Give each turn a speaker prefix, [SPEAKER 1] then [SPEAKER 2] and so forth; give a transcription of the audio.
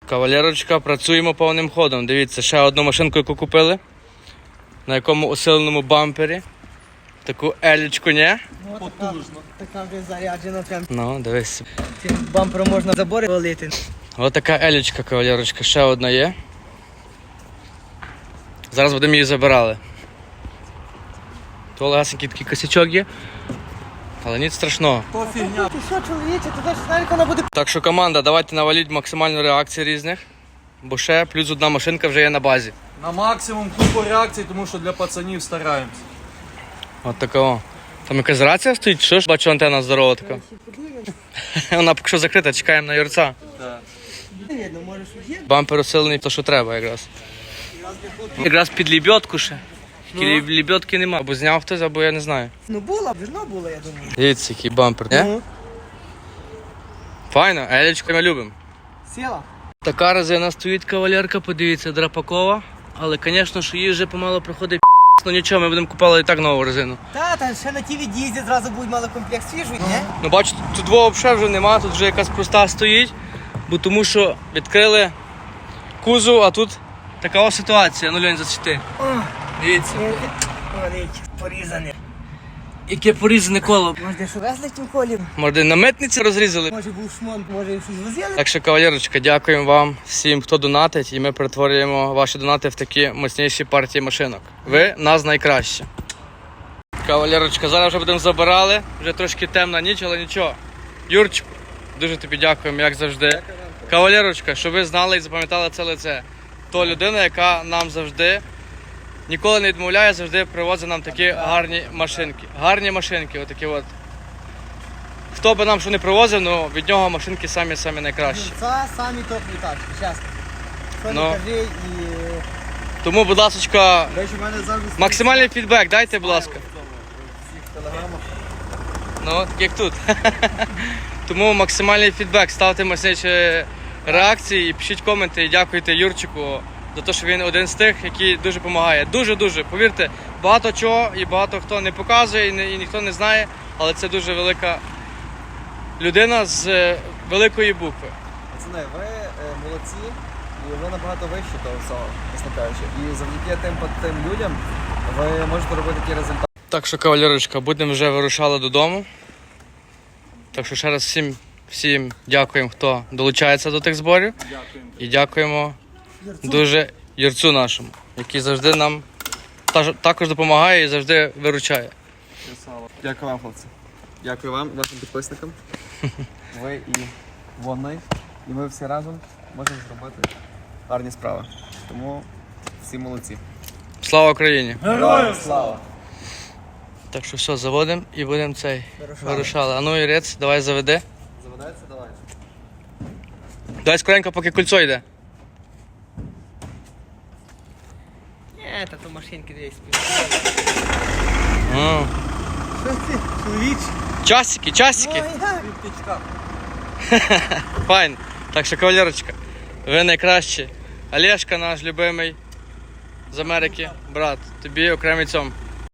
[SPEAKER 1] Кавалерочка, працюємо повним ходом. Дивіться, ще одну машинку, яку купили. На якому усиленому бампері. Таку елічку, ні?
[SPEAKER 2] Потужно. Така вже заряджена прям.
[SPEAKER 1] Ну, дивись.
[SPEAKER 2] Цим бампером можна забори валити.
[SPEAKER 1] Ось така елічка, кавалерочка, ще одна є. Зараз будемо її забирали. То легасенький такий косячок є. Але ніч страшного.
[SPEAKER 2] То фігня. Ти що, чоловіче, ти теж знаєш, вона буде...
[SPEAKER 1] Так що команда, давайте наваліть максимальну реакцію різних. Бо ще плюс одна машинка вже є на базі.
[SPEAKER 3] На максимум купу реакцій, тому що для пацанів стараємось.
[SPEAKER 1] От такого. Там якась рація стоїть, що ж? Бачу, антенна здорова така. Вона поки що закрита, чекаємо на юрця.
[SPEAKER 2] Видно, може, що є.
[SPEAKER 1] Бампер усилений, то що треба якраз. Якраз під лебедку ще. Тільки лебедки нема. Або зняв хтось, або я не знаю.
[SPEAKER 2] Ну була, вірно була, я думаю.
[SPEAKER 1] Дивіться, який бампер, не?
[SPEAKER 2] Ну.
[SPEAKER 1] Файно, елечку ми любимо.
[SPEAKER 2] Сіла.
[SPEAKER 1] Така резина стоїть, кавалерка, подивіться, драпакова. Але, звісно, що їй вже помало приходить ну нічого, ми будемо купувати і так нову резину.
[SPEAKER 2] Та ще на ті від'їзді зразу будуть мали комплект свіжий, не?
[SPEAKER 1] Ну бачите, тут двох взагалі вже нема, тут вже якась проста стоїть. Бо тому що відкрили кузов, а тут така ось ситуація. Ну, Льонь, зачти. Дивіться.
[SPEAKER 2] Вони порізані.
[SPEAKER 1] Яке порізане коло.
[SPEAKER 2] Може, де що везли в тім колі?
[SPEAKER 1] Може, на митниці розрізали.
[SPEAKER 2] Може був шмон, може щось возили?
[SPEAKER 1] Так що, кавалерочка, дякуємо вам всім, хто донатить, і ми перетворюємо ваші донати в такі мощніші партії машинок. Ви нас найкраще. Кавалерочка, зараз вже будемо забирали. Вже трошки темна ніч, але нічого. Юрчику, дуже тобі дякуємо, як завжди. Кавалерочка, щоб ви знали і запам'ятали це лице. То людина, яка нам завжди ніколи не відмовляє, завжди привозить нам такі гарні машинки. Гарні машинки, отакі от. Хто би нам що не привозив, ну від нього машинки самі найкращі.
[SPEAKER 2] Це самі топові тачки, чесно. Що
[SPEAKER 1] Ну.
[SPEAKER 2] не кажи і...
[SPEAKER 1] Тому, будь ласка,
[SPEAKER 3] До речі, в мене завжди
[SPEAKER 1] максимальний фідбек дайте, будь ласка.
[SPEAKER 3] всіх телеграмах.
[SPEAKER 1] Ну, так як тут. Тому максимальний фідбек, ставте мощніші реакції і пишіть коменти. І дякуйте Юрчику за те, що він один з тих, який дуже допомагає. Дуже-дуже, повірте, багато чого і багато хто не показує і ніхто не знає, але це дуже велика людина з великої букви.
[SPEAKER 3] Пацани, ви молодці, і ви набагато вищі того всього, чесно кажучи. І завдяки тим людям ви можете робити ті результати.
[SPEAKER 1] Так що, кавалерочка, будемо вже вирушали додому. Так що ще раз всім дякуємо, хто долучається до тих зборів.
[SPEAKER 3] Дякуємо.
[SPEAKER 1] І дякуємо дуже Юрцю нашому, який завжди нам також допомагає і завжди виручає.
[SPEAKER 3] Дякую вам, хлопці. Дякую вам, вашим підписникам. Ви і вони, і ми всі разом можемо зробити гарні справи. Тому всі молодці.
[SPEAKER 1] Слава Україні!
[SPEAKER 3] Героям слава!
[SPEAKER 1] Так що все, заводимо і будемо вирушали. А ну, Юрець, давай заведи.
[SPEAKER 3] Заведеться? Давай.
[SPEAKER 1] Дай скоренько, поки кольцо йде.
[SPEAKER 2] Ні, та то машинки десь. Що ти, чоловіч?
[SPEAKER 1] Часики.
[SPEAKER 3] Півтичка.
[SPEAKER 1] Файн. Так що, кавалерочка, ви найкращі. Олешка наш любимий з Америки. Брат, тобі окремий цьому.